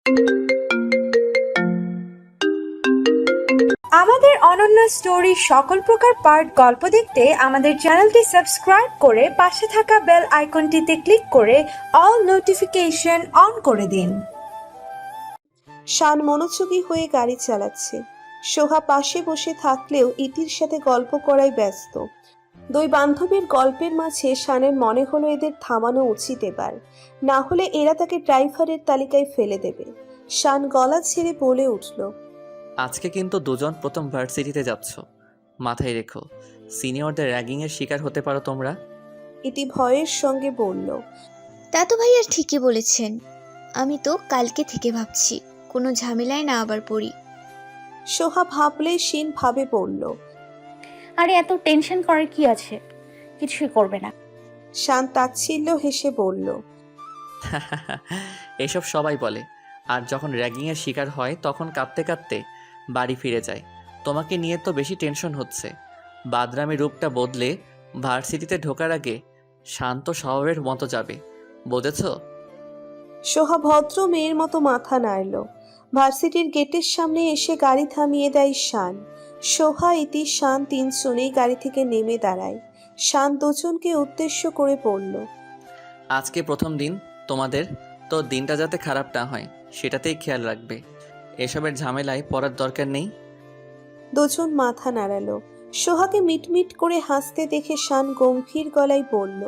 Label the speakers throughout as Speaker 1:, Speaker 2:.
Speaker 1: আমাদের অনন্য স্টোরি সকল প্রকার পার্ট গল্প দেখতে আমাদের চ্যানেলটি সাবস্ক্রাইব করে পাশে থাকা বেল আইকনটিতে ক্লিক করে অল নোটিফিকেশন অন করে দিন।
Speaker 2: শান মনোযোগী হয়ে গাড়ি চালাচ্ছে। সোহা পাশে বসে থাকলেও ইতির সাথে গল্প করায় ব্যস্ত। দুই বান্ধবীর গল্পের মাঝে শানের মনে হলো এদের থামানো উচিত এবার, না হলে এরা তাকে ড্রাইভারের তালিকায় ফেলে দেবে। শান গলা ছেড়ে বলে উঠল,
Speaker 3: আজকে কিন্তু দুজন প্রথম ভার্সিটিতে যাচ্ছ, মাথায় রেখো। সিনিয়রদের র্যাগিংয়ের শিকার হতে পারো তোমরা।
Speaker 2: ইতি ভয়ের সঙ্গে বলল,
Speaker 4: তা তো ভাইয়া ঠিকই বলেছেন। আমি তো কালকে থেকে ভাবছি কোনো ঝামেলায় না আবার পড়ি।
Speaker 2: সোহা ভাবলে শিন ভাবে বলল,
Speaker 5: আরে এত টেনশন করার কি আছে, কিছুই করবে না।
Speaker 2: শান তাচ্ছিল্য হেসে বলল,
Speaker 3: এসব সবাই বলে, আর যখন র্যাগিংয়ের শিকার হয় তখন কাঁদতে কাঁদতে বাড়ি ফিরে যায়। তোমাকে নিয়ে তো বেশি টেনশন হচ্ছে। বাদরামি রূপটা বদলে ভার্সিটিতে ঢোকার আগে শান্ত স্বভাবের মতো যাবে, বুঝেছ?
Speaker 2: সোহা ভদ্র মেয়ের মতো মাথা নাড়ল। ভার্সিটির গেটের সামনে এসে গাড়ি থামিয়ে দেয় শান। সোহা, ইতি, শান তিনজনেই গাড়ি থেকে নেমে দাঁড়ায়। শান দুজনকে উদ্দেশ্য করে বলল,
Speaker 3: আজকে প্রথম দিন তোমাদের, তো দিনটা যাতে খারাপ না হয় সেটাতেই খেয়াল রাখবে। এসবের ঝামেলায় পড়ার দরকার নেই।
Speaker 2: দুজন মাথা নাড়ালো। সোহাকে মিটমিট করে হাসতে দেখে শান গম্ভীর গলায় বলল,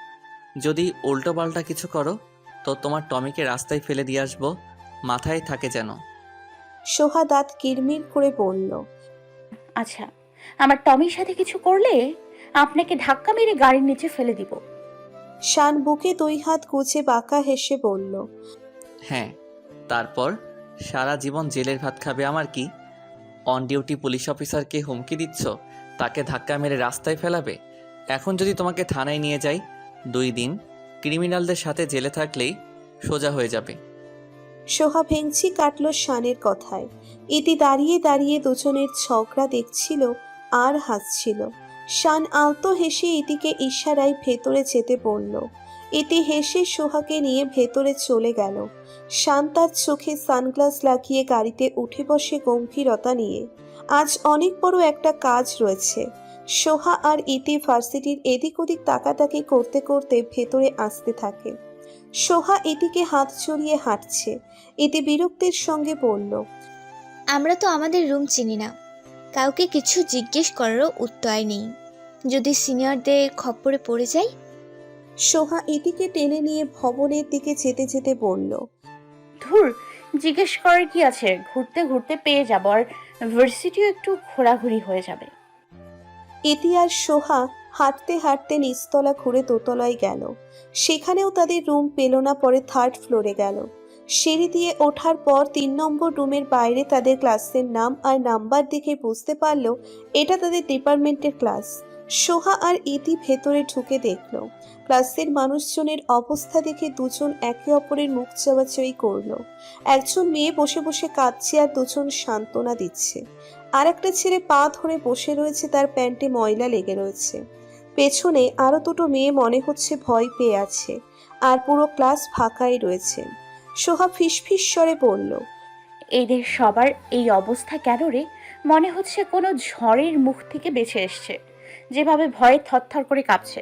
Speaker 3: যদি উল্টোপাল্টা কিছু করো তো তোমার টমিকে রাস্তায় ফেলে দিয়ে আসবো, মাথায় থাকে যেন।
Speaker 2: সোহা দাঁত কিরমির করে বলল,
Speaker 5: আচ্ছা, আমার টমির সাথে কিছু করলে আপনাকে ধাক্কা মেরে গাড়ির নিচে ফেলে দিব।
Speaker 2: শান বুকে দুই হাত গুজে বাঁকা হেসে বলল,
Speaker 3: হ্যাঁ, তারপর সারা জীবন জেলের ভাত খাবে আমার কি? অন ডিউটি পুলিশ অফিসারকে হুমকি দিচ্ছ তাকে ধাক্কা মেরে রাস্তায় ফেলাবে? এখন যদি তোমাকে থানায় নিয়ে যাই, 2 দিন ক্রিমিনালদের সাথে জেলে থাকলেই সোজা হয়ে যাবে।
Speaker 2: সোহা ভেঙচি কাটল শানের কথায়। ইতি দাঁড়িয়ে দাঁড়িয়ে দুজনের ঝগড়া দেখছিল আর হাসছিল। শান আলতো হেসে ইতিকে ইশারায় ভেতরে যেতে বলল। ইতি হেসে সোহাকে নিয়ে ভেতরে চলে গেল। শান তার চোখে সানগ্লাস লাগিয়ে গাড়িতে উঠে বসে গম্ভীরতা নিয়ে। আজ অনেক বড় একটা কাজ রয়েছে। সোহা আর ইতি ভার্সিটির এদিক ওদিক তাকাতাকি করতে করতে ভেতরে আসতে থাকে। সোহা ইতিকে হাত জড়িয়ে হাঁটছে। ইতি বিরক্তির সঙ্গে বলল,
Speaker 4: আমরা তো আমাদের রুম চিনি না, কাউকে কিছু জিজ্ঞেস করারও উত্তর নেই। যদি সিনিয়রদের খপ্পরে পড়ে যাই।
Speaker 2: সোহা ইতিকে টেনে নিয়ে ভবনের দিকে যেতে যেতে বলল,
Speaker 5: ধুর, জিজ্ঞেস করার কি আছে, ঘুরতে ঘুরতে পেয়ে যাব, আর ভার্সিটিও একটু ঘোরাঘুরি হয়ে যাবে।
Speaker 2: ইতি আর সোহা হাঁটতে হাঁটতে নিচতলা ঘুরে দোতলায় গেল। সেখানেও তাদের রুম পেল না। পরে 3rd ফ্লোরে গেল। সিঁড়ি দিয়ে ওঠার পর 3 নম্বর রুমের বাইরে তাদের ক্লাসের নাম আর নাম্বার দেখে বুঝতে পারল এটা তাদের ডিপার্টমেন্টের ক্লাস। সোহা আর ইতি ভেতরে ঢুকে দেখল ক্লাসের মানুষজনের অবস্থা দেখে দুজন একে অপরের মুখ চাওয়াচাওয়ি করলো। একজন মেয়ে বসে বসে কাঁদছে আর দুজন সান্ত্বনা দিচ্ছে। আর একটা ছেলে পা ধরে বসে রয়েছে, তার প্যান্টে ময়লা লেগে রয়েছে। পেছনে আরো দুটো মেয়ে মনে হচ্ছে ভয় পেয়ে আছে। আর পুরো ক্লাস ফাঁকাই রয়েছে। সোহা ফিসফিস স্বরে বলল,
Speaker 5: এদের সবার এই অবস্থা কেন রে? মনে হচ্ছে কোনো ঝড়ের মুখ থেকে বেঁচে এসছে, যেভাবে ভয়ে থরথর করে কাঁপছে।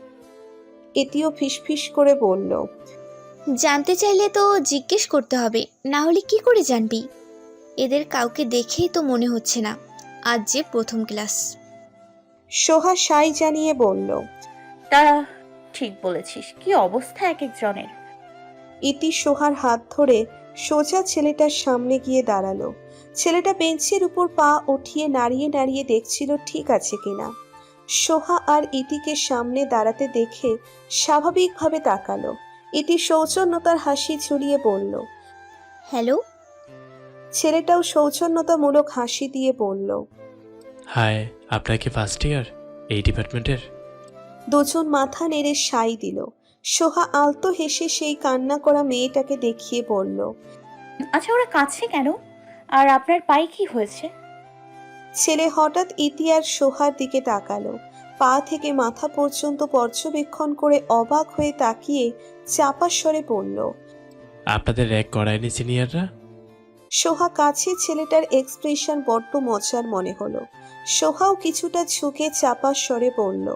Speaker 2: এটিও ফিসফিস করে বলল,
Speaker 4: জানতে চাইলে তো জিজ্ঞেস করতে হবে, না হলে কি করে জানবি? এদের কাউকে দেখেই তো মনে হচ্ছে না আজ যে প্রথম ক্লাস।
Speaker 2: সোহা সাই জানিয়ে বলল,
Speaker 5: তা ঠিক বলেছিস, কি অবস্থা এক একজনের।
Speaker 2: ইতি সোহার হাত ধরে সোজা ছেলেটার সামনে গিয়ে দাঁড়ালো। ছেলেটা বেঞ্চের উপর পা উঠিয়ে নাড়িয়ে নাড়িয়ে দেখছিল ঠিক আছে কিনা। সোহা আর ইতিকে সামনে দাঁড়াতে দেখে স্বাভাবিকভাবে তাকালো। ইতি সৌজন্যতার হাসি ঝুলিয়ে বলল,
Speaker 4: হ্যালো।
Speaker 2: ছেলেটাও সৌজন্যতামূলক হাসি দিয়ে বলল,
Speaker 6: হাই, আপনার কি ফার্স্ট ইয়ার এই ডিপার্টমেন্টের?
Speaker 2: দুজন মাথা নেড়ে সাই দিল। সোহা আলতো হেসে সেই কান্না করা মেয়েটাকে দেখিয়ে বলল,
Speaker 5: আচ্ছা, ওরা কাঁদছে কেন? আর আপনার পায়ে কি হয়েছে?
Speaker 2: ছেলে হঠাৎ ইতি আর সোহার দিকে তাকালো। পা থেকে মাথা পর্যন্ত পর্যবেক্ষণ করে অবাক হয়ে তাকিয়ে চাপা স্বরে বলল,
Speaker 6: আপনাদের র্যাগ করায়নি সিনিয়ররা?
Speaker 2: সোহা কাছে ছেলেটার এক্সপ্রেশন বড্ড মজার মনে হলো। সোহাও কিছুটা ঝুঁকে চাপা স্বরে বলল,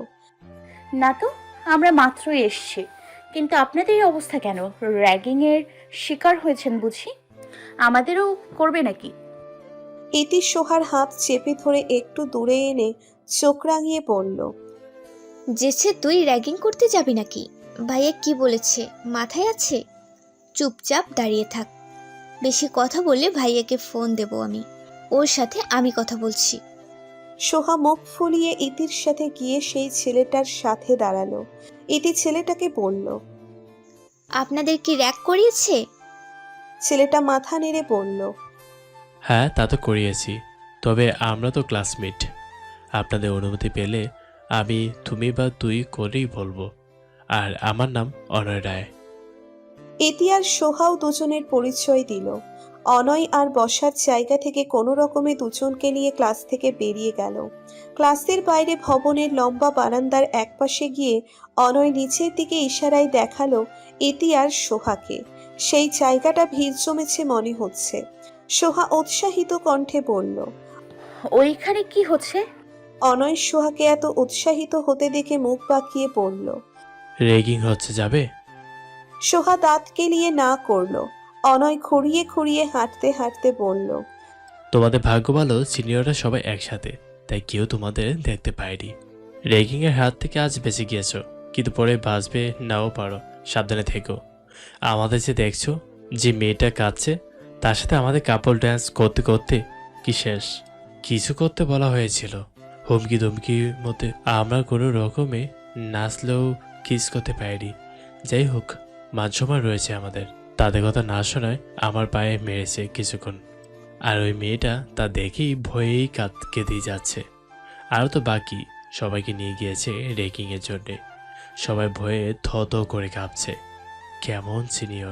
Speaker 5: না তো, আমরা মাত্রই এসছি। কিন্তু আপনাদের এই অবস্থা কেন? র্যাগিংয়ের শিকার হয়েছেন বুঝি? আমাদেরও করবে নাকি?
Speaker 2: ইতি সোহার হাত চেপে ধরে একটু দূরে এনে চোখ রাঙিয়ে বলল,
Speaker 4: যেছে তুই র্যাগিং করতে যাবি নাকি? ভাইয়া কি বলেছে মাথায় আছে? চুপচাপ দাঁড়িয়ে থাক। বেশি কথা বললে ভাইয়াকে ফোন দেব আমি। ওর সাথে আমি কথা বলছি।
Speaker 2: সোহা মুখ ফুলিয়ে ইতির সাথে গিয়ে সেই ছেলেটার সাথে দাঁড়ালো। ইতি ছেলেটাকে বলল।
Speaker 4: আপনাদের কি র্যাগ করিয়েছে?
Speaker 2: ছেলেটা মাথা নেড়ে বলল,
Speaker 6: হ্যাঁ, তা তো করিয়েছি। তবে আমরা তো ক্লাসমেট। আপনাদের অনুমতি পেলে আমি তুমি বা তুই করেই বলবো। আর আমার নাম অনয় রায়।
Speaker 2: ইতি আর সোহাও দুজনের পরিচয় দিল। অনয় আর বসার জায়গা থেকে কোনো রকমে দুজনকে নিয়ে ক্লাস থেকে বেরিয়ে গেল। ক্লাসের বাইরে ভবনের লম্বা বারান্দার একপাশে গিয়ে অনয় নিচের দিকে ইশারায় দেখালো ইতি আর সোহাকে। সেই জায়গাটা ভিড় জমেছে মনে হচ্ছে। সোহা উৎসাহিত কণ্ঠে বলল।
Speaker 5: ওইখানে কি হচ্ছে?
Speaker 2: অনয় সোহাকে এত উৎসাহিত হতে দেখে মুখ বাঁকিয়ে বলল।
Speaker 6: রেগিং হচ্ছে, যাবে?
Speaker 2: সোহা দাঁত কেলিয়ে না করলো। অনয় খুঁড়িয়ে খুঁড়িয়ে হাঁটতে হাঁটতে বলল।
Speaker 6: তোমাদের ভাগ্য ভালো, সিনিয়ররা সবাই একসাথে, তাই কেউ তোমাদের দেখতে পায়নি। রেগিংয়ের হাত থেকে আজ বেঁচে গিয়েছো, কিন্তু পরে বাঁচবে নাও পারো, সাবধানে থেকো। আমাদের যে দেখছো, যে মেয়েটা কাঁদছে, তার সাথে আমাদের কাপল ড্যান্স করতে করতে কি শেষ। কিছু করতে বলা হয়েছিল, হুমকি ধমকির মধ্যে আমরা কোনো রকমে নাচলেও কিস করতে পারিনি। যাই হোক, মান সম্মান রয়েছে আমাদের। তাদের কথা না শোনায় আমার পায়ে মেরেছে কিছুক্ষণ। আর ওই মেয়েটা তা দেখেই ভয়েই কেঁদেই যাচ্ছে। আরও তো বাকি সবাইকে নিয়ে গিয়েছে রেকিংয়ের জন্যে। সবাই ভয়ে থ থ করে কাঁপছে। কেমন সিনিয়র!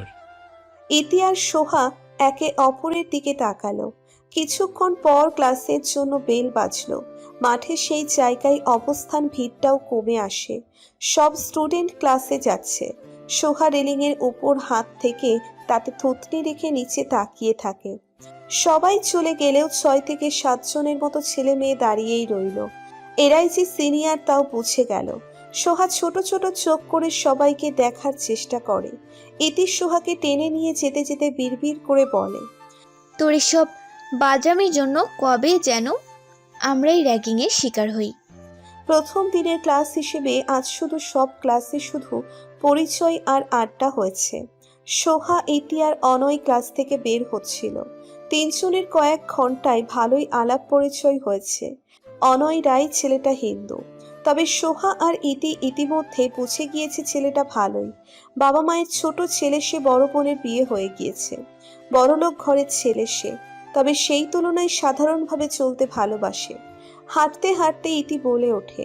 Speaker 2: ইতি আর সোহা একে অপরের দিকে তাকালো। কিছুক্ষণ পর ক্লাসের জন্য বেল বাজলো। মাঠে সেই জায়গায় অবস্থান ভিড়টাও কমে আসে। সব স্টুডেন্ট ক্লাসে যাচ্ছে। সোহা রেলিংয়ের উপর হাত থেকে তাতে থুতনি রেখে নিচে তাকিয়ে থাকে। সবাই চলে গেলেও 6 থেকে 7 জনের মতো ছেলে মেয়ে দাঁড়িয়েই রইল। এরাই যে সিনিয়র তাও বুঝে গেল। সোহা ছোট ছোট চোখ করে সবাইকে দেখার চেষ্টা করে। ইতি সোহাকে টেনে নিয়ে যেতে যেতে বিড়বিড় করে বলে,
Speaker 4: তোর এসব বাজামির জন্য কবে যেন আমরাই র্যাগিংয়ের শিকার হই।
Speaker 2: প্রথম দিনের ক্লাস হিসেবে আজ শুধু সব ক্লাসে শুধু পরিচয় আর আড্ডা হয়েছে। সোহা, ইতি আর অনয় ক্লাস থেকে বের হচ্ছিল। তিনজনের কয়েক ঘন্টায় ভালোই আলাপ পরিচয় হয়েছে। অনয় রায় ছেলেটা হিন্দু, তবে সোহা আর ইতি ইতিমধ্যে বুঝে গিয়েছে ছেলেটা ভালোই। বাবা মায়ের ছোট ছেলে সে, বড় বোনের বিয়ে হয়ে গিয়েছে। বড়লোক ঘরের ছেলে সে, তবে সেই তুলনায় সাধারণভাবে চলতে ভালোবাসে। হাঁটতে হাঁটতে ইতি বলে ওঠে,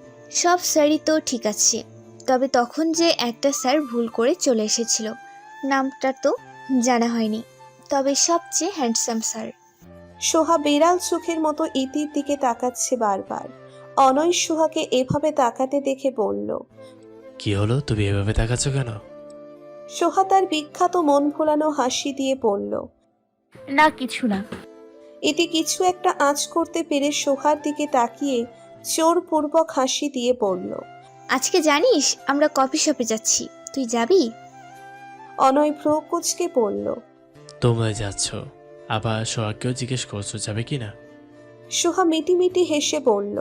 Speaker 4: সব স্যারই তো ঠিক আছে, তবে তখন যে একটা স্যার ভুল করে চলে এসেছিল, নামটা তো জানা হয়নি, তবে সবচেয়ে হ্যান্ডসাম স্যার।
Speaker 2: সোহা বেড়াল চোখের মতো ইতির দিকে তাকাচ্ছে বারবার। অনয় সোহাকে এভাবে তাকাতে দেখে বলল।
Speaker 6: কি হলো, তুমি এভাবে তাকাচ্ছ কেন?
Speaker 2: সোহা তার বিখ্যাত মন ভোলানো হাসি দিয়ে বলল।
Speaker 5: না, কিছু না।
Speaker 2: ইতি কিছু একটা আঁচ করতে পেরে সোহার দিকে তাকিয়ে জোরপূর্বক হাসি দিয়ে বলল।
Speaker 4: আজকে জানিস আমরা কফি শপে যাচ্ছি, তুই যাবি?
Speaker 2: অনয় ভ্রু কুঁচকে বলল।
Speaker 6: তোমরা যাচ্ছ, আবার সোহাগকেও জিজ্ঞেস করছো যাবে কি না?
Speaker 2: সোহা মিটিমিটি হেসে বলল।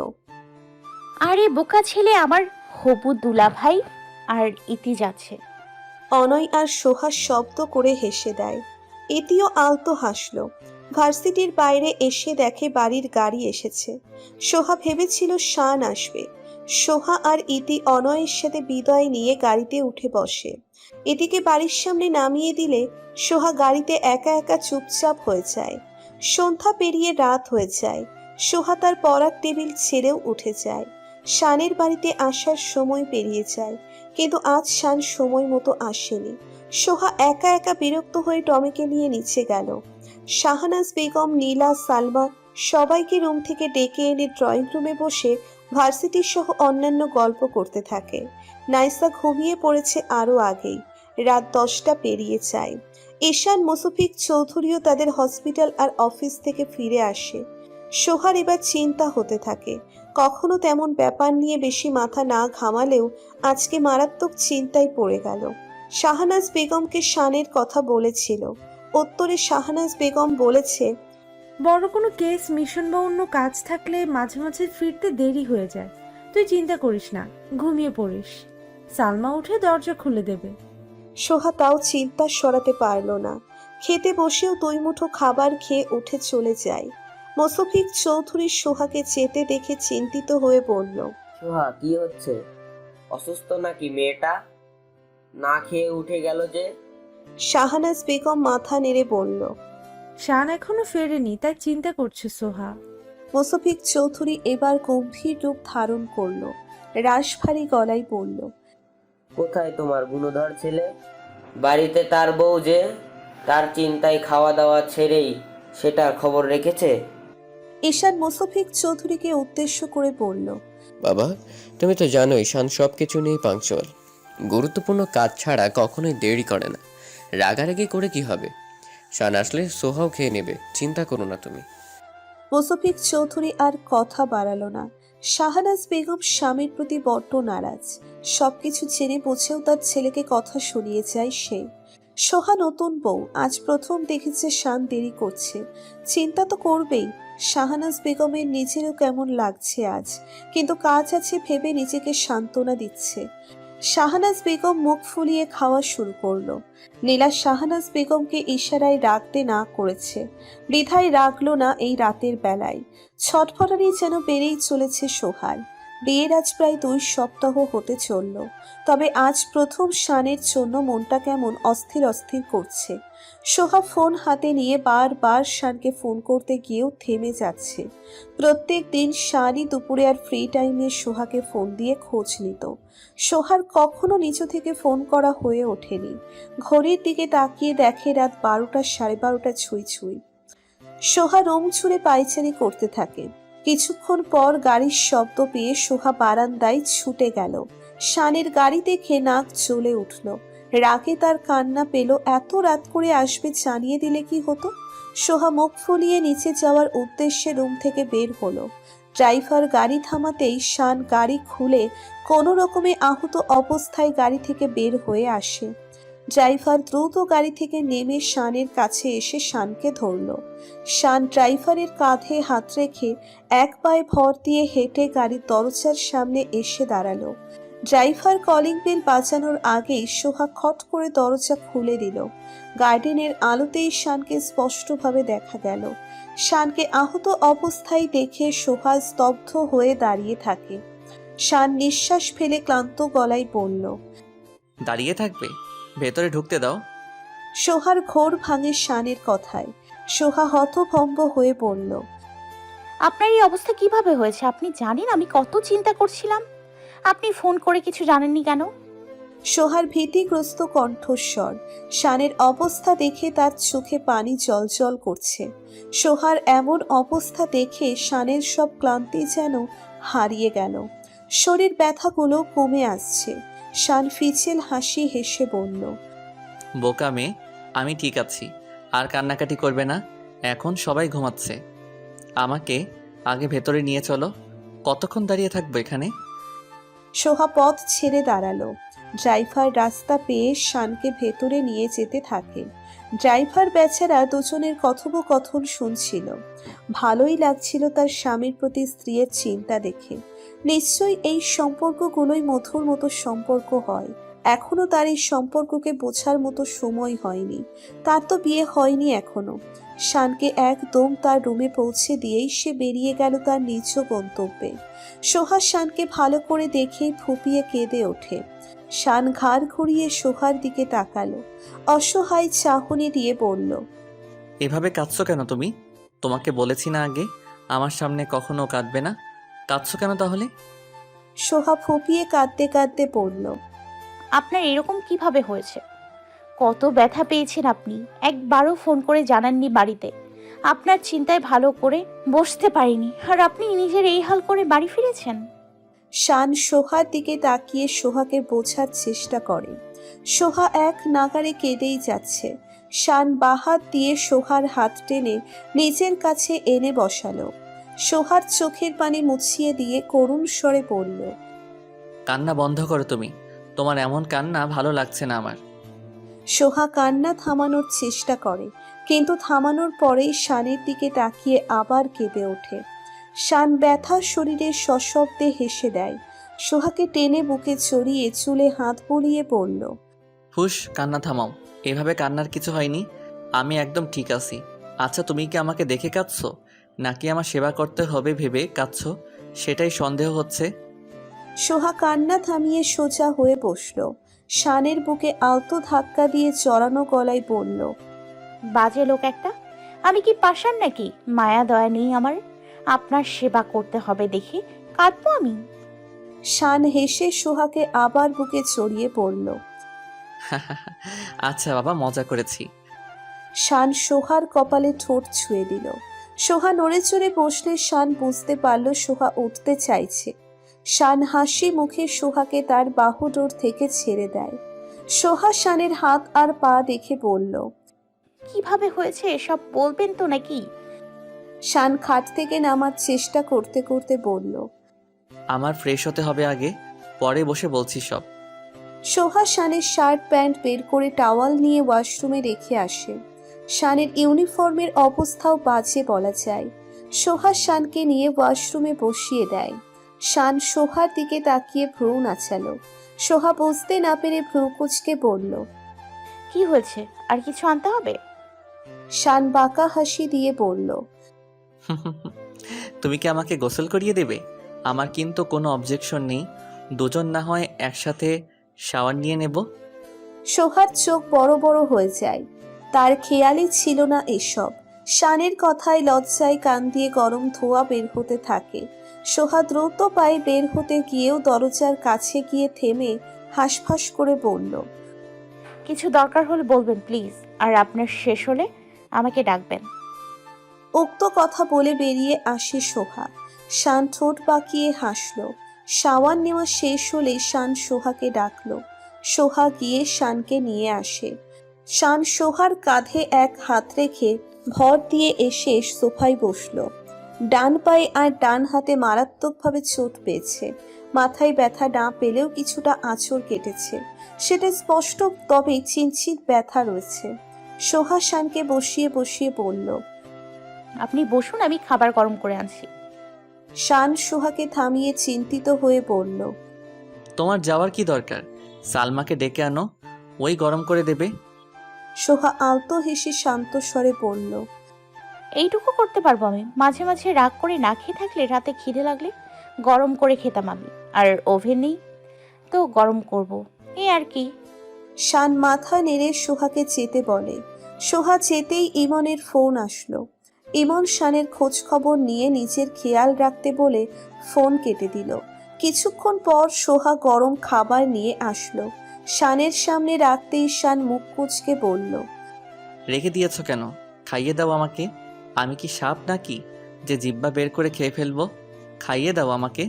Speaker 5: আরে বোকা ছেলে, আমার হবু দুলা ভাই আর ইতি যাচ্ছে।
Speaker 2: অনয় আর সোহা শব্দ করে হেসে দেয়। ইতিও আলতো হাসলো। ভার্সিটির বাইরে এসে দেখে বাড়ির গাড়ি এসেছে। সোহা ভেবেছিল শান আসবে। সোহা আর ইতি অনয়ের সাথে বিদায় নিয়ে গাড়িতে উঠে বসে। ইতিকে বাড়ির সামনে নামিয়ে দিলে সোহা গাড়িতে একা একা চুপচাপ হয়ে যায়। সন্ধ্যা পেরিয়ে রাত হয়ে যায়। সোহা তার পড়ার টেবিল ছেড়েও উঠে যায়। শানের বাড়িতে আসার সময় পেরিয়ে যায়, কিন্তু আজ শান সময় মতো আসেনি। সোহা একা একা বিরক্ত হয়ে টমিকে নিয়ে নিচে গেল। শাহনাজ বেগম, নীলা, সালমা সবাইকে রুম থেকে ডেকে এনে ড্রয়িং রুমে বসে ভার্সিটি সহ অন্যান্য গল্প করতে থাকে। নাইসা ঘুমিয়ে পড়েছে আরও আগেই। রাত 10টা পেরিয়ে যায়। ঈশান মোসফিক চৌধুরীও তাদের হসপিটাল আর অফিস থেকে ফিরে আসে। সোহার এবার চিন্তা হতে থাকে। কখনো তেমন ব্যাপার নিয়ে বেশি মাথা না ঘামালেও আজকে মারাত্মক চিন্তায় পড়ে গেল। শাহনাজ বেগমকে শানের কথা বলেছিল। উত্তরে শাহনাজ বেগম বলেছে,
Speaker 1: বড় কোনো কেস মিশন বা অন্য কাজ থাকলে মাঝে মাঝে ফিরতে দেরি হয়ে যায়। তুই চিন্তা করিস না, ঘুমিয়ে পড়িস। সালমা উঠে দরজা খুলে দেবে।
Speaker 2: সোহা তাও চিন্তা সরাতে পারল না। খেতে বসেও দুই মুঠো খাবার খেয়ে উঠে চলে যায়। মোসফিক চৌধুরী সোহাকে যেতে দেখে চিন্তিত হয়ে বলল,
Speaker 7: সোহা, কি হচ্ছে? অসুস্থ নাকি মেয়েটা? না খেয়ে উঠে গেল যে?
Speaker 2: শাহনাজ বেগম মাথা নেড়ে বলল।
Speaker 1: শান এখনো ফেরেনি, তাই চিন্তা করছে সোহা।
Speaker 2: মোসফিক চৌধুরী এবার গম্ভীর রূপ ধারণ করল। রাশভারী গলায় বলল,
Speaker 7: কোথায় তোমার গুণধর ছেলে? বাড়িতে তার বউ যে, তার চিন্তায় খাওয়া দাওয়া ছেড়েই সেটার খবর রেখেছে।
Speaker 2: ঈশান মোসফিক চৌধুরীকে উদ্দেশ্য করে বলল,
Speaker 8: বাবা, তুমি তো জানো ঈশান সব কিছু নিয়েই পাংচুয়াল। গুরুত্বপূর্ণ কাজ ছাড়া কখনোই দেরি করে না। রাগারাগি করে কি হবে? শান আসলে সোহাও খেয়ে নেবে, চিন্তা করো না তুমি।
Speaker 2: মোসফিক চৌধুরী আর কথা বাড়ালো না। শাহনাজ বেগম স্বামীর প্রতি বড্ড নারাজ। সবকিছু জেনে বুঝেও তার ছেলেকে কথা শুনিয়ে যায় সে। সোহা নতুন বউ, আজ প্রথম দেখেছে শান দেরি করছে। চিন্তা তো করবেই। শাহনাজ বেগমের নিজেরও কেমন লাগছে আজ, কিন্তু কাজ আছে ভেবে নিজেকে সান্ত্বনা দিচ্ছে। শাহনাজ বেগম মুখ ফুলিয়ে খাওয়া শুরু করলো। নীলা শাহনাজ বেগমকে ইশারায় রাখতে না করেছে, বৃথায় রাখলো না এই রাতের বেলায়। ছটফটানি যেন বেড়েই চলেছে সোহার। বিয়ের আজ প্রায় 2 সপ্তাহ হতে চলল, তবে আজ প্রথম শানের জন্য মনটা কেমন অস্থির অস্থির করছে। সোহা ফোন হাতে নিয়ে বারবার শানকে ফোন করতে গিয়েও থেমে যাচ্ছে। প্রত্যেক দিন শানই দুপুরে আর ফ্রি টাইমে সোহাকে ফোন দিয়ে খোঁজ নিত। সোহার কখনো নিচু থেকে ফোন করা হয়ে ওঠেনি। ঘড়ির দিকে তাকিয়ে দেখে রাত 12টা 12:30 ছুঁই ছুঁই। সোহা রুম ছুঁড়ে পায়চারি করতে থাকে। কিছুক্ষণ পর গাড়ির শব্দ পেয়ে সোহা বারান্দায় ছুটে গেল। শানের গাড়ি দেখে নাক জ্বলে উঠল। রাগে তার কান্না পেল। এত রাত করে আসবে জানিয়ে দিলে কি হতো? সোহা মুখ ফুলিয়ে নিচে যাওয়ার উদ্দেশ্যে রুম থেকে বের হলো। ড্রাইভার গাড়ি থামাতেই শান গাড়ি খুলে কোনো রকমে আহত অবস্থায় গাড়ি থেকে বের হয়ে আসে। ড্রাইভার দ্রুত গাড়ি থেকে নেমে শানের কাছে এসে শানকে ধরল। শান ড্রাইভারের কাঁধে হাত রেখে এক পায়ে ভর দিয়ে হেঁটে গাড়ির দরজার সামনে এসে দাঁড়ালো। ড্রাইভার কলিং বেল বাজানোর আগেই সোহা খট করে দরজা খুলে দিল। গার্ডেনের আলোতেই শানকে স্পষ্টভাবে দেখা গেল। শানকে আহত অবস্থায় দেখে সোহা স্তব্ধ হয়ে দাঁড়িয়ে থাকে। শান নিঃশ্বাস ফেলে ক্লান্ত গলায় বলল,
Speaker 3: দাঁড়িয়ে থাকবে? ভেতরে ঢুকতে দাও।
Speaker 2: সোহার ঘোর ভাঙে শানের কথায়। সোহা হতভম্ব হয়ে বলল,
Speaker 5: আপনার এই অবস্থা কিভাবে হয়েছে? আপনি জানেন আমি কত চিন্তা করছিলাম। আপনি ফোন করে কিছু জানেননি কেন?
Speaker 2: সোহার ভীতিগ্রস্ত কণ্ঠস্বর। শানের অবস্থা দেখে তার চোখে পানি জলজল করছে। সোহার এমন অবস্থা দেখে শানের সব ক্লান্তি যেন হারিয়ে গেল। শরীর ব্যথাগুলো কমে আসছে। শান ফিচেল হাসি হেসে বলল,
Speaker 3: বোকা মেয়ে, আমি ঠিক আছি। আর কান্নাকাটি করবে না, এখন সবাই ঘুমাচ্ছে। আমাকে আগে ভেতরে নিয়ে চলো। কতক্ষণ দাঁড়িয়ে থাকবো এখানে?
Speaker 2: সোহা পথ ছেড়ে দাঁড়ালো। ড্রাইভার রাস্তা পেয়ে শানকে ভেতরে নিয়ে যেতে থাকে। ড্রাইভার বেচারা দুজনের কথোপকথন শুনছিল। ভালোই লাগছিল তার স্বামীর প্রতি স্ত্রীর চিন্তা দেখে। নিশ্চয়ই এই সম্পর্কগুলোই মধুর মতো সম্পর্ক হয়। এখনো তার এই সম্পর্ককে বোঝার মতো সময় হয়নি। তার তো বিয়ে হয়নি এখনো। শানকে একদম তার রুমে পৌঁছে দিয়েই সে বেরিয়ে গেল তার নিজ গন্তব্যে। সোহা শানকে ভালো করে দেখেই ফুপিয়ে কেঁদে ওঠে। শান ঘাড় ঘুরিয়ে সোহার দিকে তাকালো। অসহায় চাহনি দিয়ে বলল,
Speaker 3: এভাবে কাঁদছো কেন তুমি? তোমাকে বলেছি না আগে আমার সামনে কখনো কাঁদবে না? কাঁদছো কেন তাহলে?
Speaker 2: সোহা ফুপিয়ে কাঁদতে কাঁদতে বলল,
Speaker 5: আপনার এরকম কিভাবে হয়েছে? কত ব্যথা পেয়েছেন আপনি, একবারও ফোন করে জানাননি বাড়িতে। আপনার চিন্তায় ভালো করে বসতে পারিনি, আর আপনি নিজের এই হাল করে বাড়ি ফিরেছেন।
Speaker 2: শান সোহার দিকে তাকিয়ে সোহাকে বোঝার চেষ্টা করে। সোহা এক নাগারে কেঁদেই যাচ্ছে। শান বাহাত দিয়ে সোহার হাত টেনে নিজের কাছে এনে বসালো। সোহার চোখের পানি মুছিয়ে দিয়ে করুণ স্বরে বলল,
Speaker 3: কান্না বন্ধ করো তুমি। তোমার এমন কান্না ভালো লাগছে না আমার।
Speaker 2: সোহা কান্না থামানোর চেষ্টা করে, কিন্তু থামানোর পরেই শানের দিকে তাকিয়ে আবার কেঁদে ওঠে। শান ব্যথা শরীরে সশব্দে হেসে দেয়। সোহাকে টেনে বুকে চড়িয়ে চুলে হাত বুলিয়ে বলল,
Speaker 3: হুশ, কান্না থামাও। এভাবে কান্নার কিছু হয়নি, আমি একদম ঠিক আছি। আচ্ছা, তুমি কি আমাকে দেখে কাঁদছো নাকি আমার সেবা করতে হবে ভেবে কাঁদছো, সেটাই সন্দেহ হচ্ছে।
Speaker 2: সোহা কান্না থামিয়ে সোজা হয়ে বসল। শানের বুকে আলতো ধাক্কা দিয়ে চড়ানো গলায় বলল,
Speaker 5: বাজে লোক একটা। আমি কি পাষাণ নাকি? মায়া দয়া নেই আমার? আপনার সেবা করতে হবে দেখে কাঁদবো আমি?
Speaker 2: শান হেসে সোহাকে আবার বুকে চড়িয়ে বলল।
Speaker 3: আচ্ছা বাবা, মজা করেছি।
Speaker 2: শান সোহার কপালে ঠোঁট ছুঁয়ে দিল। সোহা নড়ে চড়ে বসলে শান বুঝতে পারল সোহা উঠতে চাইছে। শান হাসি মুখে সোহাকে তার বাহুডোর থেকে ছেড়ে দেয়। সোহা শানের হাত আর পা দেখে বলল,
Speaker 5: কিভাবে হয়েছে এসব বলবেন তো নাকি?
Speaker 2: শান খাট থেকে নামার চেষ্টা করতে করতে বলল।
Speaker 3: আমার ফ্রেশ হতে হবে আগে, পরে বসে বলছি সব।
Speaker 2: সোহা শানের শার্ট প্যান্ট বের করে টাওয়াল নিয়ে ওয়াশরুমে রেখে আসে। শানের ইউনিফর্মের অবস্থাও বাজে বলা যায়। সোহা শানকে নিয়ে ওয়াশরুমে বসিয়ে দেয়। শান সোহার দিকে তাকিয়ে ভ্রু নাচালো। সোহা বুঝতে না পেরে ভ্রু কুঁচকে বলল,
Speaker 5: কি হয়েছে? আর কিছু আনতে হবে?
Speaker 2: শান বাঁকা হাসি দিয়ে বলল,
Speaker 3: তুমি কি আমাকে গোসল করিয়ে দেবে? আমার কিন্তু কোনো অবজেকশন নেই, দুজন না হয় একসাথে শাওয়ার নিয়ে নেব।
Speaker 2: সোহার চোখ বড় বড় হয়ে যায়। তার খেয়ালই ছিল না এসব। শানের কথায় লজ্জায় কান দিয়ে গরম ধোঁয়া বের হতে থাকে। সোহা দ্রুত পায়ে বের হতে গিয়েও দরজার কাছে গিয়ে থেমে হাঁসফাঁস করে বলল,
Speaker 5: কিছু দরকার হলে বলবেন প্লিজ, আর আপনার শেষ হলে আমাকে ডাকবেন।
Speaker 2: উক্ত কথা বলে বেরিয়ে আসে সোহা। শান ঠোঁট বাঁকিয়ে হাসল। শাওয়ার নেওয়া শেষ হলে শান সোহাকে ডাকলো। সোহা গিয়ে শানকে নিয়ে আসে। শান সোহার কাঁধে এক হাত রেখে ভর দিয়ে এসে সোফায় বসলো। ডান পায়ে আর ডান হাতে মারাত্মকভাবে চোট পেয়েছে। মাথায় ব্যথা না পেলেও কিছুটা আঁচড় কেটেছে, সেটা স্পষ্ট, তবে চিনচিত ব্যথা রয়েছে। সোহা শানকে বসিয়ে বসিয়ে বলল,
Speaker 5: আপনি বসুন, আমি খাবার গরম করে আনছি।
Speaker 2: শান সোহাকে থামিয়ে চিন্তিত হয়ে বলল,
Speaker 3: তোমার যাওয়ার কি দরকার? সালমাকে ডেকে আনো, ওই গরম করে দেবে।
Speaker 2: সোহা আলতো হেসে শান্ত স্বরে বলল,
Speaker 5: এইটুকু করতে পারবো আমি। মাঝে মাঝে রাগ করে না খেয়ে থাকলে রাতে খিদে লাগলে গরম করে খেতাম আমি। আর ওভেন নেই তো গরম করব, এই আর কি।
Speaker 2: শান মাথা নেড়ে সোহাকে যেতে বলে। সোহা যেতেই ইমনের ফোন আসলো। ইমন শানের খোঁজ খবর নিয়ে নিজের খেয়াল রাখতে বলে ফোন কেটে দিল। কিছুক্ষণ পর সোহা গরম খাবার নিয়ে আসলো। শানের সামনে রাখতেই শান মুখ কুঁচকে বলল,
Speaker 3: রেখে দিয়েছো কেন? খাইয়ে দাও আমাকে। আমি কি সাপ নাকি যে জিব্বা বের করে খেয়ে ফেলবো? খাইয়ে দাও আমাকে।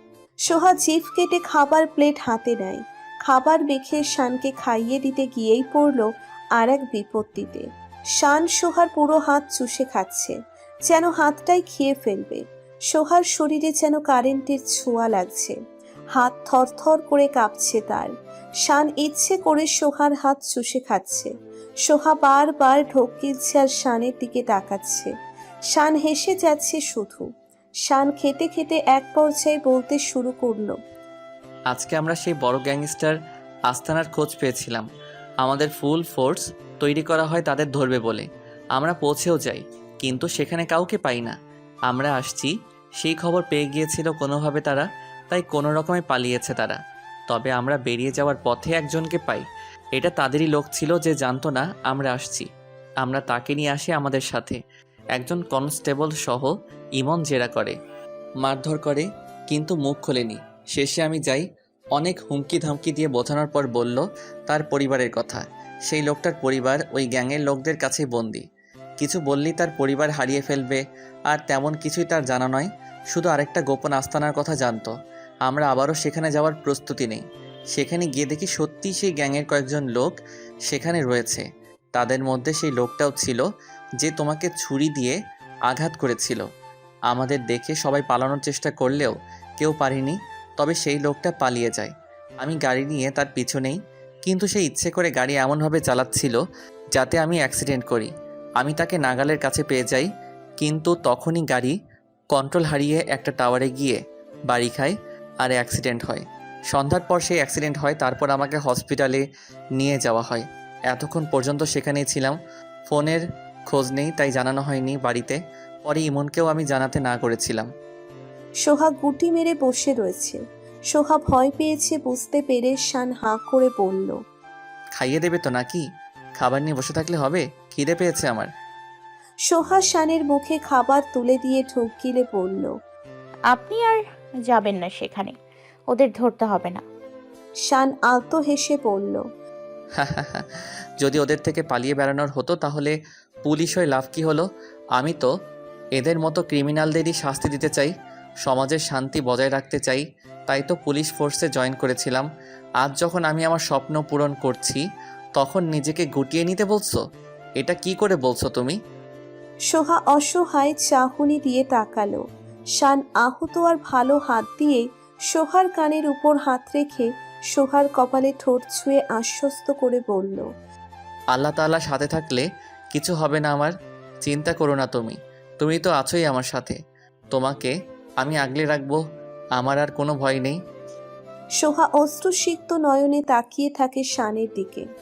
Speaker 2: সোহা জিভ কেটে খাবার প্লেট হাতে নেয়। খাবার মেখে শানকে খাইয়ে দিতে গিয়েই পড়ল আর এক বিপত্তিতে। শান সোহার পুরো হাত চুষে খাচ্ছে, যেন হাতটাই খেয়ে ফেলবে। সোহার শরীরে যেন কারেন্টের ছোঁয়া লাগছে। হাত থরথর করে কাঁপছে তার। শান ইচ্ছে করে সোহার হাত চুষে খাচ্ছে। সোহা বারবার ঢোক গিলছে আর শানের দিকে তাকাচ্ছে। শান হেসে যাচ্ছে শুধু। শান খেতে খেতে এক পর্যায়ে বলতে শুরু করলো,
Speaker 3: আজকে আমরা সেই বড় গ্যাংস্টার আস্তানার খোঁজ পেয়েছিলাম। আমাদের ফুল ফোর্স তৈরি করা হয় তাদের ধরবে বলে। আমরা পৌঁছেও যাই, কিন্তু সেখানে কাউকে পাই না। আমরা আসছি সেই খবর পেয়ে গিয়েছিল কোনোভাবে তারা, তাই কোনো রকমে পালিয়েছে তারা। তবে আমরা বেরিয়ে যাওয়ার পথে একজনকে পাই। এটা তাদেরই লোক ছিল যে জানতো না আমরা আসছি। আমরা তাকে নিয়ে আসি আমাদের সাথে। একজন কনস্টেবল সহ ইমন জেরা করে, মারধর করে, কিন্তু মুখ খোলেনি। শেষে আমি যাই, অনেক হুমকি ধামকি দিয়ে বোঝানোর পর বলল তার পরিবারের কথা। সেই লোকটার পরিবার ওই গ্যাংয়ের লোকদের কাছেই বন্দি। কিছু বললেই তার পরিবার হারিয়ে ফেলবে, আর তেমন কিছুই তার জানা নয়। শুধু আরেকটা গোপন আস্তানার কথা জানতো। আমরা আবারও সেখানে যাওয়ার প্রস্তুতি নেই। সেখানে গিয়ে দেখি সত্যিই সেই গ্যাংয়ের কয়েকজন লোক সেখানে রয়েছে। তাদের মধ্যে সেই লোকটাও ছিল যে তোমাকে ছুরি দিয়ে আঘাত করেছিল। আমাদের দেখে সবাই পালানোর চেষ্টা করলেও কেউ পারেনি, তবে সেই লোকটা পালিয়ে যায়। আমি গাড়ি নিয়ে তার পিছনেই, কিন্তু সে ইচ্ছে করে গাড়ি এমনভাবে চালাচ্ছিল যাতে আমি অ্যাক্সিডেন্ট করি। আমি তাকে নাগালের কাছে পেয়ে যাই, কিন্তু তখনই গাড়ি কন্ট্রোল হারিয়ে একটা টাওয়ারে গিয়ে বাড়ি খায় আর অ্যাক্সিডেন্ট হয়। সন্ধ্যার পর সেই অ্যাক্সিডেন্ট হয়, তারপর আমাকে হসপিটালে নিয়ে যাওয়া হয়। এতক্ষণ পর্যন্ত সেখানেই ছিলাম, ফোনের খোঁজ নেই, তাই জানানো হয়নি বাড়িতে। পরে ইমনকেও আমি জানাতে না করেছিলাম।
Speaker 2: সোহা গুটি মেরে বসে রয়েছে। সোহা ভয় পেয়েছে বুঝতে পেরে শান হাঁ করে বলল,
Speaker 3: খাইয়ে দেবে তো নাকি? খাবার নিয়ে বসে থাকলে হবে, খিদে পেয়েছে আমার।
Speaker 2: সোহা শানের মুখে খাবার তুলে দিয়ে ঢোক গিলে বলল,
Speaker 5: আপনি আর যাবেন না সেখানে, ওদের ধরতে হবে না।
Speaker 2: শান আলতো হেসে বলল,
Speaker 3: যদি ওদের থেকে পালিয়ে বেড়ানোর হতো তাহলে পুলিশ হয়ে লাভ কী হলো? আমি তো এদের মতো ক্রিমিনালদেরই শাস্তি দিতে চাই, সমাজের শান্তি বজায় রাখতে চাই, তাই তো পুলিশ ফোর্সে জয়েন করেছিলাম। আজ যখন আমি আমার স্বপ্ন পূরণ করছি তখন নিজেকে গুটিয়ে নিতে বলছো? এটা কি করে বলছো তুমি?
Speaker 2: সোহা অসহায় চাহনি দিয়ে তাকালো। শান আহত আর ভালো হাত দিয়ে সোহার কানের উপর হাত রেখে সোহার কপালে ঠোঁট ছুঁয়ে আশ্বস্ত করে বলল,
Speaker 3: আল্লাহ তাআলা সাথে থাকলে কিছু হবে না আমার, চিন্তা করো না তুমি। তুমি তো আছোই আমার সাথে, তোমাকে আমি আগলে রাখবো, আমার আর কোনো ভয় নেই।
Speaker 2: সোহা অশ্রুসিক্ত নয়নে তাকিয়ে থাকে শানের দিকে।